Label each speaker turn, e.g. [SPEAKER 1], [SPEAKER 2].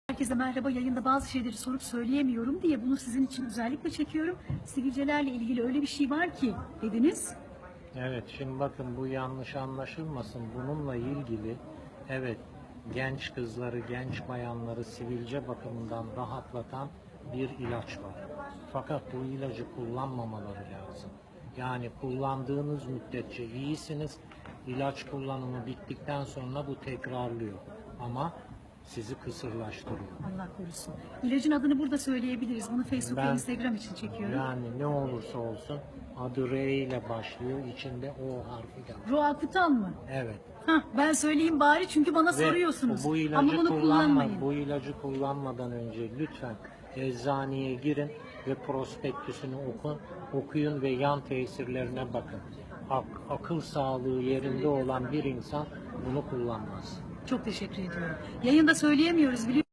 [SPEAKER 1] Herkese merhaba. Yayında bazı şeyleri sorup söyleyemiyorum diye bunu sizin için özellikle çekiyorum. Sivilcelerle ilgili öyle bir şey var ki dediniz.
[SPEAKER 2] Evet, şimdi bakın bu yanlış anlaşılmasın. Bununla ilgili evet genç kızları, genç bayanları sivilce bakımından rahatlatan bir ilaç var. Fakat bu ilacı kullanmamaları lazım. Yani kullandığınız müddetçe iyisiniz. İlaç kullanımı bittikten sonra bu tekrarlıyor. Ama sizi kısırlaştırıyor.
[SPEAKER 1] Allah korusun. İlacın adını burada söyleyebiliriz. Bunu Facebook ve
[SPEAKER 2] Ben
[SPEAKER 1] Instagram için çekiyorum.
[SPEAKER 2] yani ne olursa olsun adı R ile başlıyor. İçinde O harfi de var.
[SPEAKER 1] Roakutan mı?
[SPEAKER 2] Evet.
[SPEAKER 1] Hah, ben söyleyeyim bari çünkü bana
[SPEAKER 2] Ve
[SPEAKER 1] soruyorsunuz.
[SPEAKER 2] bu ilacı
[SPEAKER 1] Ama bunu kullanmayın.
[SPEAKER 2] bu ilacı kullanmadan önce lütfen eczaneye girin ve prospektüsünü okuyun ve yan tesirlerine bakın. Akıl sağlığı yerinde olan bir insan bunu kullanmaz.
[SPEAKER 1] Çok teşekkür ediyorum. Yayında söyleyemiyoruz biliyorsunuz.